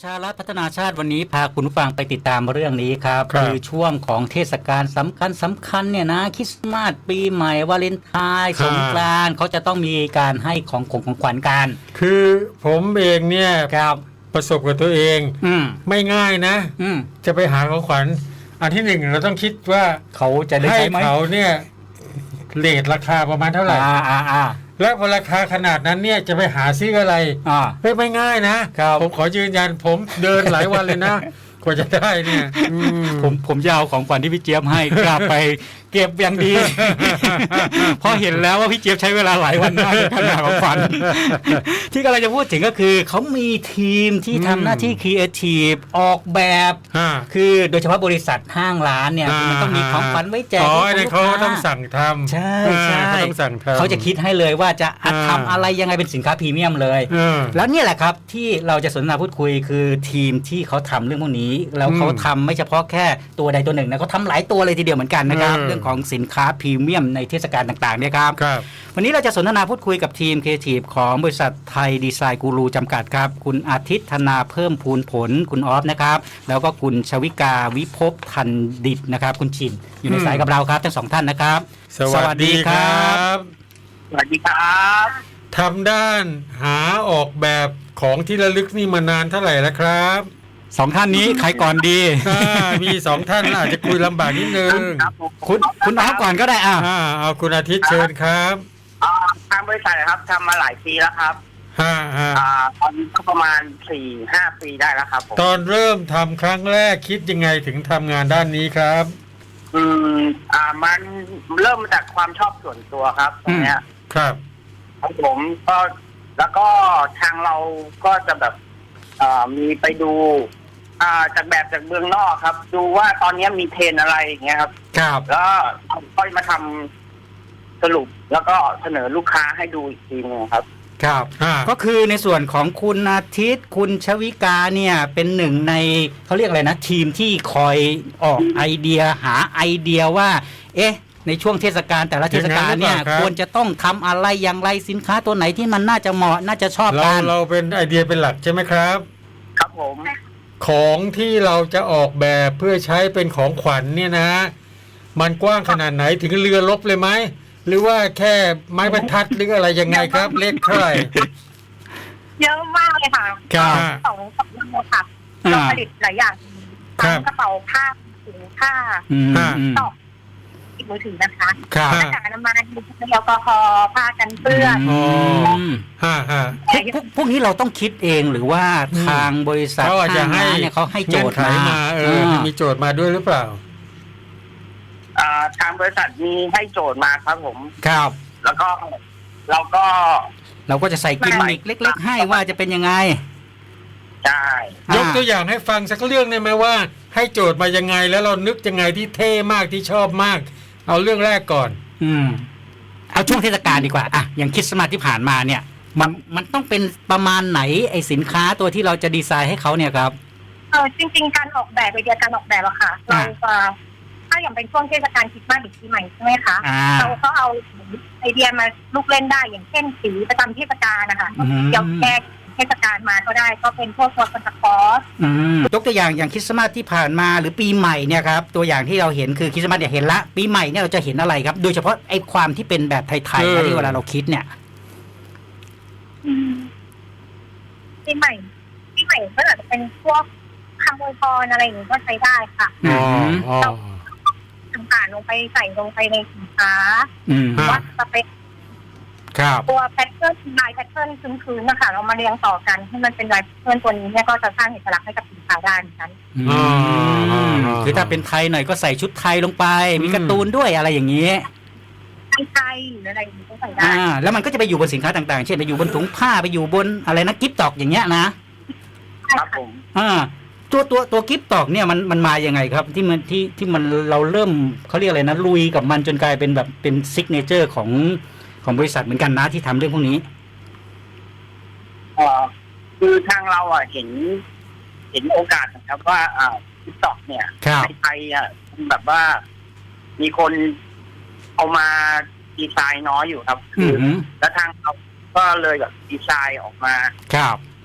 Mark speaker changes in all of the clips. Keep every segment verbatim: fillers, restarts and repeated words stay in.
Speaker 1: ชารัฐพัฒนาชาติวันนี้พาคุณผู้ฟังไปติดตามเรื่องนี้ครับ
Speaker 2: ครับ
Speaker 1: คือช่วงของเทศกาลสำคัญสำคัญเนี่ยนะคริสต์มาสปีใหม่วาเลนไทน์สงกรานต์เขาจะต้องมีการให้ของของของขวัญกัน
Speaker 2: คือผมเองเนี่ย
Speaker 1: ครับ
Speaker 2: ประสบกับตัวเอง
Speaker 1: อืม
Speaker 2: ไม่ง่ายนะ
Speaker 1: อืม
Speaker 2: จะไปหาของขวัญอันที่หนึ่งเราต้องคิดว่า
Speaker 1: เขาจะได้
Speaker 2: ให้
Speaker 1: ใช้ไหม
Speaker 2: เขาเนี่ยเรทราคาประมาณเท่าไหร่
Speaker 1: อ่าอ่าอ่า
Speaker 2: และพอราคาขนาดนั้นเนี่ยจะไปหาซื้ออะไร
Speaker 1: อ่า
Speaker 2: ไม่ไม่ง่ายนะครับ ผมขอยืนยันผมเดินหลายวันเลยนะกว่าจะได้เนี่ยอืม
Speaker 1: ผมผมจะเอาของขวัญที่พี่เจี๊ยบให้กลับไปเก็บอย่างดี เพราะเห็นแล้วว่าพี่เจี๊ยบใช้เวลาหลายวันมากในการหาของขวัญ ที่กำลังจะพูดถึงก็คือเขามีทีมที่ทำหน้าที่ครีเอทีฟออกแบบ
Speaker 2: อ่า
Speaker 1: คือโดยเฉพาะบริษัทห้างร้านเนี่ยคือมันต้องมีของขวัญไว้แจก
Speaker 2: อ๋อ
Speaker 1: ให้
Speaker 2: เนี่ย
Speaker 1: กับ
Speaker 2: เขา
Speaker 1: ลูกค้
Speaker 2: ต้องสั่งทำ
Speaker 1: ใช่ใช่
Speaker 2: เขาต้องสั่งทำ
Speaker 1: เขาจะคิดให้เลยว่าจะ
Speaker 2: อ่า
Speaker 1: ทำอะไรยังไงเป็นสินค้าพรีเมียมเลย
Speaker 2: เออ
Speaker 1: แล้วเนี่ยแหละครับที่เราจะสนทนาพูดคุยคือทีมที่เขาทำเรื่องพวกนี้แล้วเขา
Speaker 2: อืม
Speaker 1: ทำไม่เฉพาะแค่ตัวใดตัวหนึ่งนะเขาทำหลายตัวเลยทีเดียวเหมือนกันนะครับ
Speaker 2: เออ
Speaker 1: เรื่องของสินค้าพรีเมียมในเทศกาลต่างๆเนี่ยครับ
Speaker 2: ครับ
Speaker 1: วันนี้เราจะสนทนาพูดคุยกับทีมครีเอทีฟของบริษัทไทยดีไซน์กูรูจำกัดครับคุณอาทิตย์ธนาเพิ่มพูนผลคุณออฟนะครับแล้วก็คุณชวิกาวิภพทันดิตนะครับคุณชินอยู่ใน
Speaker 2: อืม
Speaker 1: สายกับเราครับทั้งสองท่านนะครับ
Speaker 2: สวัสดีครับ
Speaker 3: สวัสดีครับ
Speaker 2: ทำด้านหาออกแบบของที่ระลึกนี่มานานเท่าไหร่แล้วครับ
Speaker 1: สองท่านนี้ใครก่อนดี
Speaker 2: อ่ามีสองท่านอาจจะคุยลำบากนิดนึง
Speaker 3: ครับผม
Speaker 1: คุณคุณออฟก่อนก็ได้อ่ะ
Speaker 2: อ่าเอาคุณอาทิตย์เชิญครับ
Speaker 3: อ่าทางบริษัทนะครับทำมาหลายปีแล้วครับ
Speaker 2: ฮ่าฮ่า
Speaker 3: อ่าตอนนี้ก็ประมาณสี่ห้าปีได้แล้วครับผม
Speaker 2: ตอนเริ่มทำครั้งแรกคิดยังไงถึงทำงานด้านนี้ครับ
Speaker 3: อืมอ่ามันเริ่มมาจากความชอบส่วนตัวครับตรงเนี้ย
Speaker 2: ครับ
Speaker 3: ของผมก็แล้วก็ทางเราก็จะแบบอ่ามีไปดูอ่าจากแบบจากเมืองนอกครับ ดูว่าตอนนี้มีเทรนด์อะไรอย่างเงี้ยครับ
Speaker 1: ครับ
Speaker 3: แล้วค่อยมาทำสรุปแล้วก็เสนอลูกค้าให้ดูอีกทีนึงครับ
Speaker 1: ครับ
Speaker 2: อ่า
Speaker 1: ก็คือในส่วนของคุณอาทิตย์คุณชวิกาเนี่ยเป็นหนึ่งในเขาเรียกอะไรนะทีมที่คอยออกไอเดียหาไอเดียว่า เอ๊ะ ในช่วงเทศกาลแต่ละเทศกาลเนี่ยควรจะต้องทำอะไรอย่างไรสินค้าตัวไหนที่มันน่าจะเหมาะน่าจะชอบ
Speaker 2: เรา
Speaker 1: กัน
Speaker 2: เราเป็นไอเดียเป็นหลักใช่ไหมครับ
Speaker 3: ครับผม
Speaker 2: ของที่เราจะออกแบบเพื่อใช้เป็นของขวัญเนี่ยนะ มันกว้างขนาดไหนถึงเรือรบเลยไหมหรือว่าแค่ไม้บรรทัดหรืออะไรยังไงครับ เล็กเท่าไหร่
Speaker 4: เยอะมากเลยค่ะ
Speaker 1: ครับ
Speaker 4: สองสองเรื่องค่ะ
Speaker 1: อ่า
Speaker 4: เราผลิตหลายอย่าง
Speaker 2: ครั
Speaker 4: ทั้
Speaker 2: บ
Speaker 4: งกระเป๋าผ้าถุงผ้า
Speaker 1: อืม
Speaker 2: อ่า
Speaker 1: อืม
Speaker 4: ตอกติดมือถือนะคะ
Speaker 1: ครับ
Speaker 4: หน้ากากอนามัยแอลกอฮอล์ผ้ากันเปื้อน
Speaker 2: อ๋อ
Speaker 1: อืม
Speaker 2: ฮ่าฮ่า
Speaker 1: พวกพวกพวกนี้เราต้องคิดเองหรือว่าทางบริษัท
Speaker 2: เขาอาจจะ
Speaker 1: ห้าง
Speaker 2: ให้
Speaker 1: ร้านเนี่ยเขาให้โจทย์
Speaker 2: เงื่อนไข
Speaker 1: มา
Speaker 2: มาเออมีโจทย์มาด้วยหรือเปล่า
Speaker 3: อ่าทางบริษัทมีให้โจทย์มาครับผม
Speaker 1: ครับ
Speaker 3: แล้วก็เราก็
Speaker 1: เราก็จะใส่กิมมิคเล็ก ๆ ให้ว่าจะเป็นยังไง
Speaker 3: ได้
Speaker 2: ยกตัวอย่างให้ฟังสักเรื่องได้ไหมว่า ให้โจทย์มายังไงแล้วเรานึกยังไงที่เท่มากที่ชอบมาก เอาเรื่องแรกก่อน
Speaker 1: อืมเอาช่วงเทศกาลดีกว่าอ่ะอย่างคริสต์มาสที่ผ่านมาเนี่ย มันมันต้องเป็นประมาณไหนไอสินค้าตัวที่เราจะดีไซน์ให้เขาเนี่ยครับ
Speaker 4: เออจริง ๆ การออกแบบไอเดียการออกแบบอะค่ะ เรา
Speaker 1: อ่า
Speaker 4: จะถ้าอย่างเป็นช่วงเทศกาลคริสต์มาสหรือปีใหม่ใช่ไหมคะ
Speaker 1: อ่า
Speaker 4: เราก็เอาไอเดียมาลูกเล่นได้อย่างเช่นสีประจำเทศกาลนะคะ
Speaker 1: อืม
Speaker 4: เดี๋ยวแก้เทศกาลมาก็ได้ก็เป็นพวกตัวคอนตาคอส
Speaker 1: อืมยกตัวอย่างอย่างคริสต์มาสที่ผ่านมาหรือปีใหม่เนี่ยครับตัวอย่างที่เราเห็นคือคริสต์มาสเนี่ยเห็นละปีใหม่เนี่ยเราจะเห็นอะไรครับ โดยเฉพาะไอ้ความที่เป็นแบบไทยๆ
Speaker 2: เอ
Speaker 1: นะ
Speaker 2: อ
Speaker 1: ที่เวลาเราคิดเนี่ย
Speaker 4: ปีใหม่ปีใหม่ก็อาจจะเป็นพวกคำอวยพรอะไรอย่างนี้ก็ใช้ได้ค่ะ
Speaker 2: อ๋ออ๋อ
Speaker 4: ต่างๆลงไปใส่ลงไปในสินค้า
Speaker 1: อืม
Speaker 2: อ่า
Speaker 4: วัดสเปค
Speaker 1: ครับ
Speaker 4: ตัวแพทเทิร์นลายแพทเทิร์นพื้นๆนะคะเรามาเรียงต่อกันให้มันเป็นลายแพทเทิร์นตัวนี้เนี่ยก็จะสร้างเอกลักษณ์ให้กับสินค้าได้เหมือนกัน
Speaker 1: อืมคือถ้าเป็นไทยหน่อยก็ใส่ชุดไทยลงไป มีการ์ตูนด้วยอะไรอย่างนี้
Speaker 4: ไทยๆหรืออะไรอย่างนี้ก็ใส่ได้
Speaker 1: อ่าแล้วมันก็จะไปอยู่บนสินค้าต่างๆ เช่นไปอยู่บนถุงผ้าไปอยู่บนอะไรนะกิฟต์ตอกอย่างเงี้ยนะครับ
Speaker 3: ผม
Speaker 1: อ่าตัวตัวตัวกิฟต์ตอกเนี่ยมันมันมาอย่างไงครับ ที่มันที่ที่มันเราเริ่มเขาเรียกอะไรนะลุยกับมันจนกลายเป็นแบบเป็นซิกเนเจอร์ของของบริษัทเหมือนกันนะที่ทำเรื่องพวกนี้
Speaker 3: เอ่อคือทางเราอ่ะเห็น เห็นโอกาสนะครับว่าอ่าทิกตอกเนี่ย
Speaker 1: ครับ
Speaker 3: ในไทยอ่ะแบบว่า มีคนเอามาดีไซน์น้อยอยู่ครับ
Speaker 1: อื
Speaker 3: คือ
Speaker 1: อหือ
Speaker 3: แล้วทางเราก็เลยแบบดีไซน์ออกมา
Speaker 1: ครับ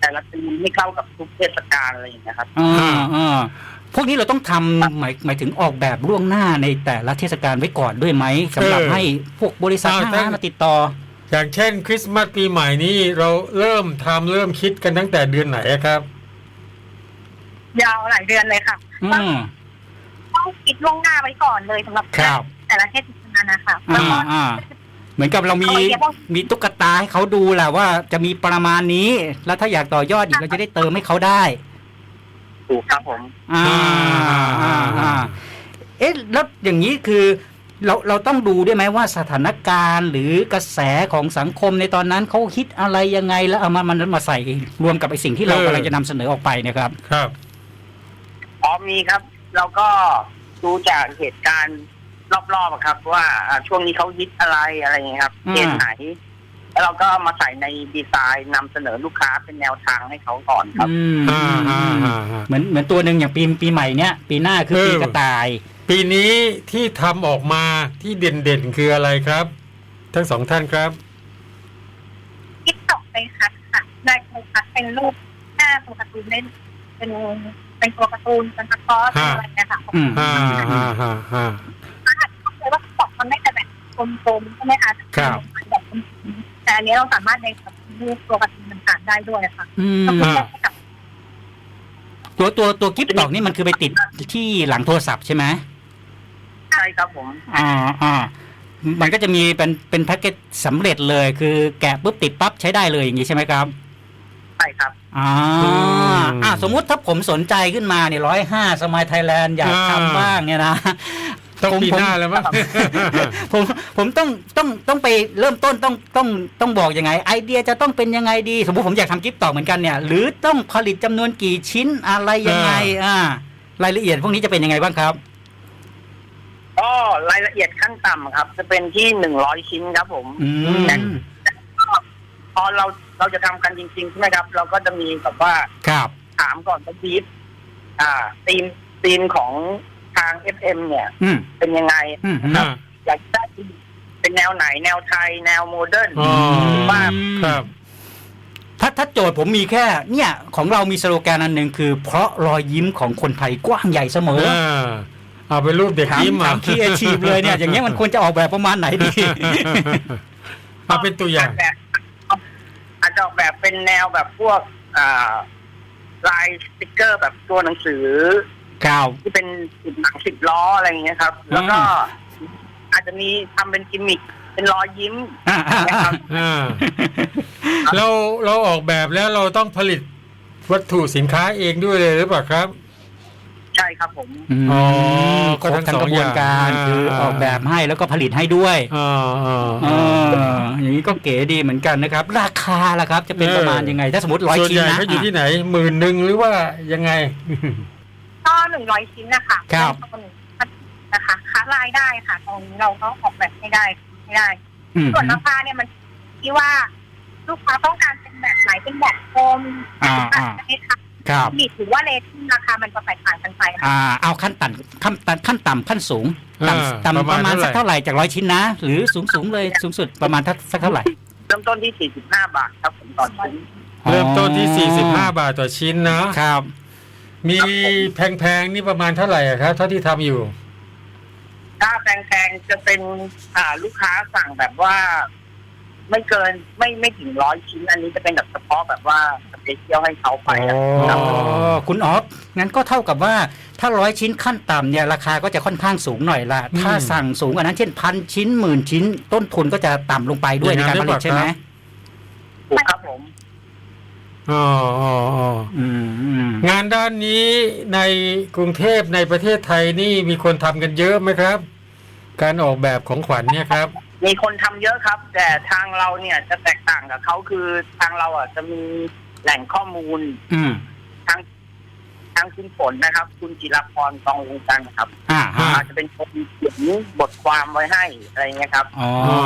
Speaker 3: แต่ละธีมให้เข้ากับทุกเทศกาลอะไรอย่างเงี้ยครับ
Speaker 1: อ่าอ่าพวกนี้เราต้องทำหมายหมายถึงออกแบบล่วงหน้าในแต่ละเทศกาลไว้ก่อนด้วยไหมสำหรับให้พวกบริษัทห้างร้านมาติดต่อ
Speaker 2: อย่างเช่นคริสต์มาสปีใหม่นี้เราเริ่มทำเริ่มคิดกันตั้งแต่เดือนไหนอะครับ
Speaker 4: ยาวหลายเดือนเลยค่ะ
Speaker 1: อืม
Speaker 4: ต้องคิดล่วงหน้าไว้ก่อนเลยสำหรับ
Speaker 1: ครับ
Speaker 4: แต่ละเทศกาลนะคะแล้ว
Speaker 1: อ่า
Speaker 4: ก็
Speaker 1: อ่าเหมือนกับเรามี
Speaker 4: เอาไว้เรียกว่า
Speaker 1: มีตุ๊กตาให้เขาดูแหละว่าจะมีประมาณนี้ แล้วถ้าอยากต่อยอดอีกเราจะได้เติมให้เขาได้
Speaker 3: ถูกครับผม
Speaker 1: อ่าอ่าอ่าเอ๊ะแล้วอย่างนี้คือเราเราต้องดูด้วยไหมว่าสถานการณ์หรือกระแสของสังคมในตอนนั้นเขาคิดอะไรยังไงแล้วเอามามันมาใส่รวมกับไอ้สิ่งที่เรา
Speaker 2: เออ
Speaker 1: กำลังจะนำเสนอออกไปเนะครับ
Speaker 2: ครับ
Speaker 3: อ๋อมีครับ เราก็ดูจากเหตุการณ์รอบๆอะครับ ว่าอ่าช่วงนี้เขาฮิตอะไรอะไรอย่างเงี้ยครับ
Speaker 1: อืม
Speaker 3: เกณฑ์ไหน แล้วเราก็มาใส่ในดีไซน์นำเสนอลูกค้าเป็นแนวทางให้เขาก่อนครับ
Speaker 1: อืม
Speaker 2: อ่าอ่าอ่าอ่า
Speaker 1: เหมือนเหมือนตัวหนึ่งอย่างปีปีใหม่เนี้ยปีหน้าคือ
Speaker 2: เออ
Speaker 1: ปีกระต่าย
Speaker 2: ปีนี้ที่ทำออกมาที่เด่นๆคืออะไรครับ ทั้งสองท่านครับ
Speaker 4: คิดตกไปคัดค่ะได้โฟกัสเป็นรูปหน้าตัวการ์ตูนเล่นเป็นเป็นตัวการ์ตูนเป็นตะกร้อเป็นอะไรเนะคะ
Speaker 1: อืม
Speaker 2: อ่าอ่าอ่าอ่า
Speaker 4: เลยว่าตอกมันไม่จะแบบกลมๆใช่ไหมคะ
Speaker 2: ครับ
Speaker 4: แบบกลมๆแต่อันนี้เราสามารถในแบบรูปตัวการ์ตูนต่างๆได้ด้วยค่ะ
Speaker 1: อืม
Speaker 4: ก็คือแค่กับ
Speaker 1: ตัวตัวตัวกิฟต์ดอกนี่มันคือไปติดที่หลังโทรศัพท์ใช่ไหม
Speaker 3: ใช่ครับผม
Speaker 1: อ่าอ่ามันก็จะมีเป็นเป็นแพ็กเกจสำเร็จเลย คือแกะปุ๊บติดปั๊บใช้ได้เลยอย่างนี้ใช่ไหมครับ
Speaker 3: ใช่ครับ
Speaker 1: อ่าอ่าสมมุติถ้าผมสนใจขึ้นมาเนี่ยร้อยห้าสมัยไทยแลนด์อยากทำบ้างเนี่ยนะ
Speaker 2: ต้อง
Speaker 1: ผม
Speaker 2: ปีหน้าแล้วมั้ง
Speaker 1: ผมผมต้องต้องต้องไปเริ่มต้นต้องต้องต้องบอกยังไง ไอเดียจะต้องเป็นยังไงดี สมมติผมอยากทำกิฟต์ต่อเหมือนกันเนี่ย หรือต้องผลิตจำนวนกี่ชิ้นอะไรยังไงอ่ารายละเอียดพวกนี้จะเป็นยังไงบ้างครับ
Speaker 3: ก็รายละเอียดขั้นต่ำครับ จะเป็นที่หนึ่งร้อยชิ้นครับผม
Speaker 1: อืม
Speaker 3: พอเราเราจะทำกันจริงๆใช่ไหมครับ เราก็จะมีแบบว่า
Speaker 1: ครับ
Speaker 3: ถามก่อนว่าบีฟอ่าธีมธีมของทาง เอฟ เอ็ม เนี่ย
Speaker 1: อืม
Speaker 3: เป็นยังไง
Speaker 1: อืม
Speaker 2: อ่า
Speaker 3: อยากได้เป็นแนวไหนแนวไทย แนวโมเดิร์น
Speaker 2: อ๋อ
Speaker 3: ว่า
Speaker 2: ครับ
Speaker 1: ถ้าถ้าโจทย์ผมมีแค่ เนี่ย ของเรามีสโลแกนอันหนึ่งคือ เพราะรอยยิ้มของคนไทยกว้างใหญ่เสมอ
Speaker 2: อ่าเอาเป็นรูปเด็ก
Speaker 1: ถาม
Speaker 2: ยิ้ม
Speaker 1: ถามครีเอทีฟเลยเนี่ย อย่างเงี้ยมันควรจะออกแบบประมาณไหนดี
Speaker 2: เอาเป็นตัวอย่าง
Speaker 3: แบบอาจจะออกแบบเป็นแนวแบบพวกอ่าลายสติกเกอร์แบบตัวหนังสือ
Speaker 1: ข่าว
Speaker 3: ที่เป็นสิบหนังสิบล้ออะไรอย่างเงี้ยครับ แล้วก็อาจจะมีทำเป็นกิมมิคเป็นรอยยิ้ม
Speaker 1: อ่าอ่า
Speaker 3: นะ
Speaker 1: อ่า
Speaker 3: ครับ
Speaker 2: อ่าเราเราออกแบบแล้วเราต้องผลิตวัตถุสินค้าเองด้วยเลยหรือเปล่าครับ
Speaker 3: ใช่ครับผม
Speaker 1: ม
Speaker 2: อ๋อ
Speaker 1: ครบ
Speaker 2: ก็ทั้ง
Speaker 1: ทั้ง
Speaker 2: สอง
Speaker 1: กระบวนการ
Speaker 2: อย่าง
Speaker 1: คือ
Speaker 2: อ่า
Speaker 1: ออกแบบให้แล้วก็ผลิตให้ด้วย
Speaker 2: อ่าอ่า
Speaker 1: เอออย่างนี้ก็เก๋ดีเหมือนกันนะครับ ราคาล่ะครับ จะเป็นประมาณยังไง ถ้าสมมติร้อย
Speaker 2: ส่วน
Speaker 1: ชิ้น
Speaker 2: ใหญ่
Speaker 1: นะ
Speaker 2: เขาอยู่ที่ไหนหมื่นหนึ่งหรือว่ายังไง
Speaker 4: ก็หนึ่งร้อยชิ้นนะคะ
Speaker 1: ครับ
Speaker 4: นะคะค้ารายได้ค่ะ ตรงนี้เราก็ออกแบบไม่ได้ไม่ได้
Speaker 1: อืม
Speaker 4: ส่วนราคาเนี่ยมันที่ว่าลูกค้าต้องการเป็นแบบไหนเป็นแบบโฟม
Speaker 1: อ่าอ่า
Speaker 4: จะให้ค่ะ
Speaker 1: ครับ
Speaker 4: บิดหรือว่าเลทินราคามันจะแตกต่างกันไปค่ะ
Speaker 1: อ่า เอาขั้นต่ำขั้นต่ำขั้นต่ำขั้นสูง
Speaker 2: อ่า
Speaker 1: ต่ำต่ำ
Speaker 2: ป
Speaker 1: ประ ระ
Speaker 2: มา
Speaker 1: มา
Speaker 2: ณ
Speaker 1: ณ
Speaker 2: เท่าไหร่
Speaker 1: สักเท่าไหร่จากร้อยชิ้นนะ หรือสูงสูงเลยสูงสุดประมาณสักเท่าไหร่
Speaker 3: เริ่มต้นที่สี่สิบห้าบาทครับผมต่อชิ้น
Speaker 2: เริ่มต้นที่สี่สิบห้าบาทต่อชิ้นนะครับ มีแพงๆนี่ประมาณเท่าไหร่อะครับเท่าที่ทำอยู่
Speaker 3: ถ้าแพงๆจะเป็นอ่าลูกค้าสั่งแบบว่า ไม่เกินไม่ไม่ถึงร้อยชิ้น อันนี้จะเป็นแบบเฉพาะแบบว่าสเปเชียลให้เขาไปอะ
Speaker 1: อ๋อคุณออฟงั้นก็เท่ากับว่าถ้าร้อยชิ้นขั้นต่ำเนี่ยราคาก็จะค่อนข้างสูงหน่อยละ
Speaker 2: อืม
Speaker 1: ถ้าสั่งสูงกว่านั้นเช่นพันชิ้นหมื่นชิ้น ต้นทุนก็จะต่ำลงไปด้วย
Speaker 2: อ
Speaker 1: ใน
Speaker 2: ย่างนั้
Speaker 1: การ
Speaker 2: น
Speaker 1: ผลิตใช่ไหม
Speaker 2: หรือเปล่าครับ
Speaker 3: ถูกครับผม
Speaker 2: อ๋ออ๋ออ๋อ
Speaker 1: อืมอืม
Speaker 2: งานด้านนี้ในกรุงเทพในประเทศไทยนี่มีคนทำกันเยอะไหมครับ การออกแบบของขวัญเนี่ยครับ
Speaker 3: มีคนทำเยอะครับ แต่ทางเราเนี่ยจะแตกต่างกับเขาคือทางเราอ่ะจะมีแหล่งข้อมูล
Speaker 1: อืม
Speaker 3: ทางทางคุณฝนนะครับ คุณจิรพรกองวงจันทร์ครับ
Speaker 1: อ่าฮะ
Speaker 3: อาจจะเป็นคนเขียนบทความไว้ให้อะไรเงี้ยครับ
Speaker 1: อ๋อ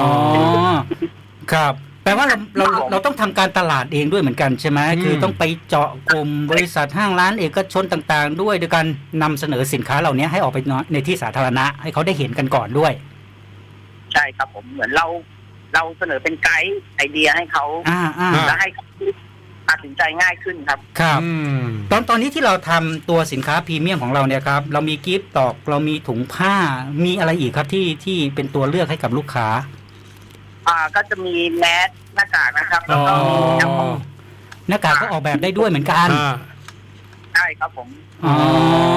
Speaker 1: ครับแปลว่าเราเราเราต้องทำการตลาดเองด้วยเหมือนกันใช่ไหม
Speaker 2: อืม
Speaker 1: คือต้องไปเจาะกลุ่มบริษัทห้างร้านเอกชนต่างๆ ด้วยโดยการนำเสนอสินค้าเหล่านี้ให้ออกไปในที่สาธารณะให้เขาได้เห็นกันก่อนด้วย
Speaker 3: ใช่ครับผมเหมือนเราเราเสนอเป็นไกด์ไอเดียให้เขา
Speaker 1: อ่าอ่า
Speaker 3: แล้วให้เขาตัดสินใจง่ายขึ้นครับ
Speaker 1: ครับ
Speaker 2: อืม
Speaker 1: ตอนตอนนี้ที่เราทำตัวสินค้าพรีเมียมของเราเนี่ยครับเรามีกิฟต์ตอกเรามีถุงผ้ามีอะไรอีกครับที่ที่เป็นตัวเลือกให้กับลูกค้า
Speaker 3: อ่าก็จะมีแมสหน้ากากนะครับ แล้วก็มีแอลกอฮอล์
Speaker 1: หน้ากากก็ออกแบบได้ด้วยเหมือนกัน
Speaker 2: อ่า
Speaker 3: ใช่ครับผม
Speaker 1: อ๋อ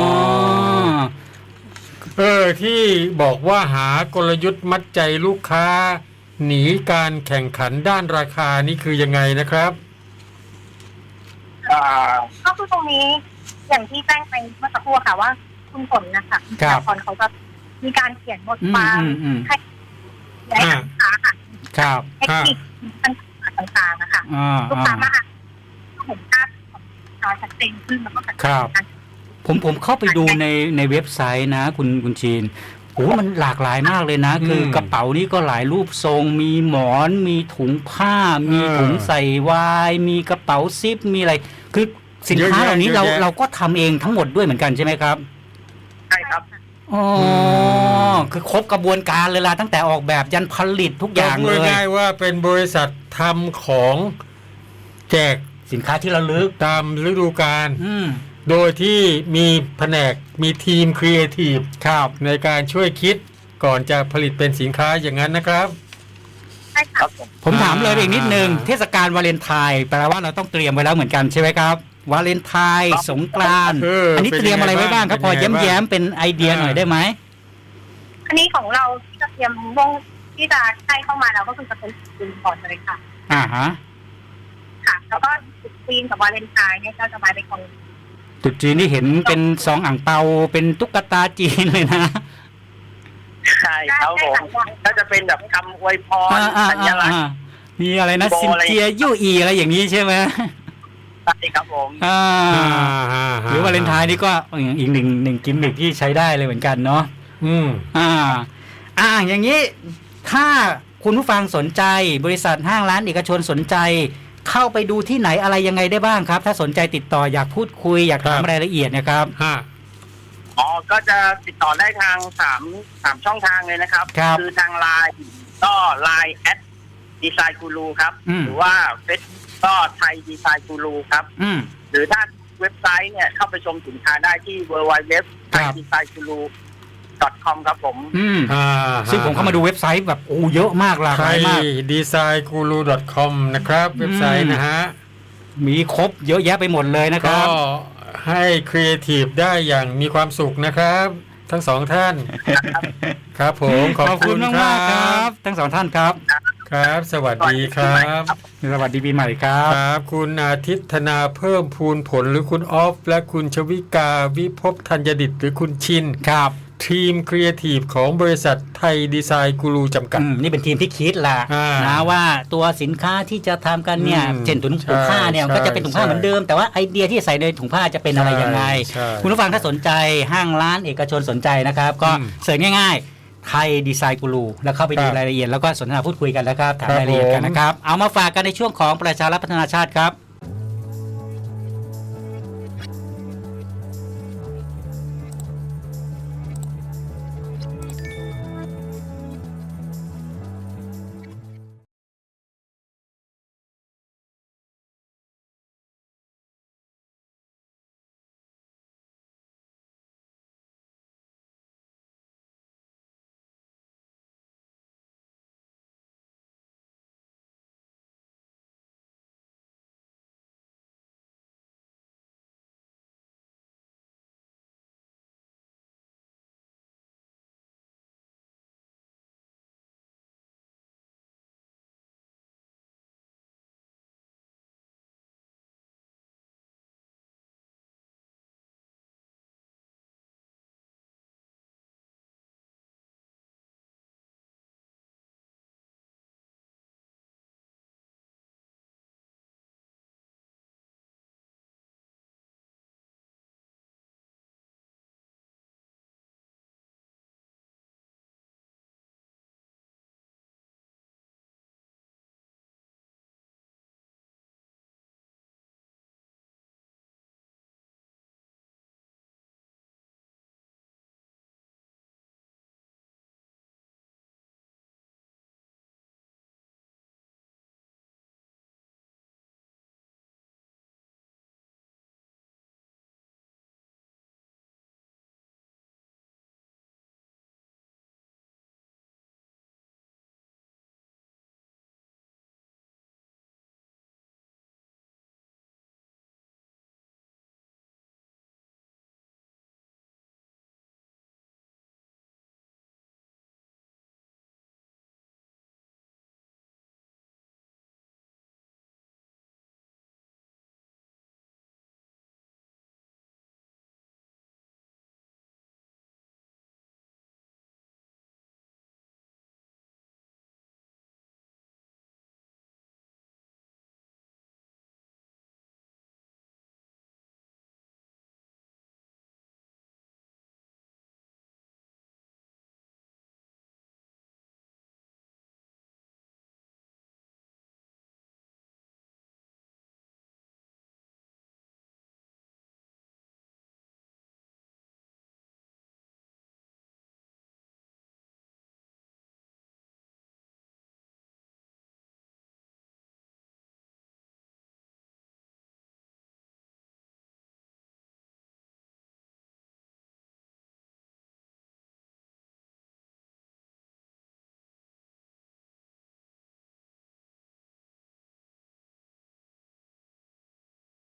Speaker 2: เออที่บอกว่าหากลยุทธ์มัดใจลูกค้า หนีการแข่งขันด้านราคานี่คือยังไงนะครับ
Speaker 3: อ่า
Speaker 4: ก็คือตรงนี้อย่างที่แจ้งไปเมื่อสักครู่ค่ะว่าคุณฝนนะคะคุณ
Speaker 1: ครับ
Speaker 4: พรเขาจะมีการเขียนบท
Speaker 1: อืม
Speaker 4: ความ
Speaker 1: อืมอืม
Speaker 4: ให้ให้ลูกค้าค่ะ
Speaker 1: ครับ
Speaker 4: เทคนิคต่างๆนะคะ
Speaker 1: อ่า
Speaker 4: ลูก
Speaker 1: อ่า
Speaker 4: ค้ามาเห็นภาพของจอชัดเจนขึ้นแล้วก็ชัดเจ
Speaker 1: ครับ
Speaker 4: นกัน
Speaker 1: ผมผมเข้าไปดูในในเว็บไซต์นะคุณคุณชีนโอ้มันหลากหลายมากเลยนะ
Speaker 2: อืม
Speaker 1: คือกระเป๋านี่ก็หลายรูปทรง มีหมอน มีถุงผ้า มี
Speaker 2: เออ
Speaker 1: ถุงใส่วาย มีกระเป๋าซิป มีอะไร คือสินค้า
Speaker 2: เยอะแยะ
Speaker 1: เหล่านี้เรา
Speaker 2: เยอะแยะ
Speaker 1: เราก็ทำเองทั้งหมดด้วยเหมือนกันใช่ไหมครับ
Speaker 3: ใช่ครับ
Speaker 1: อ๋ออคือครบกระบวนการเลยล่ะตั้งแต่ออกแบบยันผลิตทุกอย่าง
Speaker 2: พู
Speaker 1: เล
Speaker 2: ด
Speaker 1: ย
Speaker 2: ง่ายๆว่าเป็นบริษัททำของแจก
Speaker 1: สินค้าที่ระลึก
Speaker 2: ตามฤดูกาล
Speaker 1: อืม
Speaker 2: โดยที่มีแผนกมีทีมครีเอทีฟ
Speaker 1: ครับ
Speaker 2: ในการช่วยคิดก่อนจะผลิตเป็นสินค้าอย่างนั้นนะครับ
Speaker 4: ใช่
Speaker 3: ค
Speaker 4: ค่ะ
Speaker 3: รับผม
Speaker 1: ผมถามเลยอีกนิดนึง
Speaker 2: อ่า
Speaker 1: เทศกาลวาเลนไทน์แปลว่าเราต้องเตรียมไว้แล้วเหมือนกันใช่ไหมครับ วาเลนไทน์สงกรานต์
Speaker 2: เอออั
Speaker 1: อันนี้เตรียมอะไรไว้บ้างครับ พอ
Speaker 2: เป็นยังไงบ้าง
Speaker 1: แย้มๆเป็นไอเดียหน่อยได้ไหม
Speaker 4: อันนี้ของเราที่จะเตรียมวงที่จะให้เข้ามาแล้วก็คือจะเป็นซีนก่อนเลยค่ะ
Speaker 1: อ่าฮะ
Speaker 4: ค่ะ แล้วก็ซีนกับวาเลนไทน์เนี่ยก็จะมาเป็นของ
Speaker 1: ตรุ๊จีนนี่เห็นเป็นซองอ่างเปาเป็นตุ๊กตาจีนเลยนะ
Speaker 3: ใช่ครับผมก็จะเป็นแบบคำอวยพร
Speaker 1: อ่าอ่า
Speaker 3: สัญลักษณ์
Speaker 1: อ่ามีอะไรนะ
Speaker 3: โบ
Speaker 1: ซิน
Speaker 3: อะไร
Speaker 1: เจียยู่อีอะไรอย่างนี้ใช่ไหม
Speaker 3: ใช่ครับผม
Speaker 1: อ่า
Speaker 2: อ่า
Speaker 1: หรือวาเลนไทน์นี่ก็อีกหนึ่งหนึ่งกิมมิคที่ใช้ได้เลยเหมือนกันเนาะ
Speaker 2: อืม
Speaker 1: อ่า อ่า อย่างนี้ ถ้าคุณผู้ฟังสนใจ บริษัทห้างร้านเอกชนสนใจ เข้าไปดูที่ไหนอะไรยังไงได้บ้างครับ ถ้าสนใจติดต่ออยากพูดคุยอยากถาม
Speaker 2: ครับ
Speaker 1: รายละเอียดนะครับ
Speaker 2: ฮะ
Speaker 3: อ๋อก็จะติดต่อได้ทางสามสามช่องทางเลยนะครับ
Speaker 1: ครับ
Speaker 3: อทางไลน์ก็ไลน์แอดดีไซน์กูรูครับ
Speaker 1: อืม
Speaker 3: หรือว่าเฟซก็ไทยดีไซน์กูรูครับ
Speaker 1: อืม
Speaker 3: หรือถ้าเว็บไซต์เนี่ยเข้าไปชมสินค้าได้ที่ ดับเบิลยู ดับเบิลยู ดับเบิลยู ดอท ไทย ดีไซน์กูรู ดอท คอม ครับผม
Speaker 1: อืม
Speaker 2: อ่า
Speaker 1: ซึ่งผมเข้ามาดูเว็บไซต์แบบโอ้เยอะมากหลาก
Speaker 2: ไท
Speaker 1: หลาย
Speaker 2: ย
Speaker 1: มาก
Speaker 2: ดีไซน์กูรู ดอท คอม นะครับ เว็บไซต์นะฮะ
Speaker 1: มีครบเยอะแยะไปหมดเลยนะค
Speaker 2: ก็
Speaker 1: รับ
Speaker 2: ให้ครีเอทีฟได้อย่างมีความสุขนะครับ ทั้งสองท่าน ครับผมขอบ
Speaker 1: ขอบ
Speaker 2: คุ
Speaker 1: คุณ
Speaker 2: ณ
Speaker 1: มาก
Speaker 2: ค
Speaker 1: มากๆค
Speaker 2: รั
Speaker 1: รับ บ ทั้งสองท่านครับ
Speaker 2: ครับ สวัสดีครับ
Speaker 1: สวัสดีปีใหม่ครับ
Speaker 2: ครับ คุณอาทิตย์ธนาเพิ่มพูนผลหรือคุณออฟ และคุณชวิกาวิภพธัญดิตหรือคุณชิน
Speaker 1: ครับ
Speaker 2: ทีมครีเอทีฟของบริษัทไทยดีไซน์กูรูจำกัด
Speaker 1: อืมนี่เป็นทีมที่คิดละ
Speaker 2: อ่าน
Speaker 1: นะว่าตัวสินค้าที่จะทำกันเนี่ย
Speaker 2: อืม
Speaker 1: เช่นถุงถุงผ้าเนี่ย
Speaker 2: ใช่
Speaker 1: ก็จะเป็นถุงผ้า
Speaker 2: ใช่
Speaker 1: เหมือนเดิม แต่ว่าไอเดียที่ใส่ในถุงผ้าจะเป็นอะไรยังไง
Speaker 2: ใช่
Speaker 1: คุณผู้ฟังถ้าสนใจห้างร้านเอกชนสนใจนะครับ ก็
Speaker 2: อืม
Speaker 1: เสิร์ชง่ายๆ ไทยดีไซน์กูรูแล้วเข้าไปดู
Speaker 2: ครับ
Speaker 1: รายละเอียดแล้วก็สนทนาพูดคุยกันนะครับถาม
Speaker 2: ครับ
Speaker 1: รายละเอียดกัน
Speaker 2: ผม
Speaker 1: นะครับ เอามาฝากกันในช่วงของประชารัฐพัฒนาชาติครับ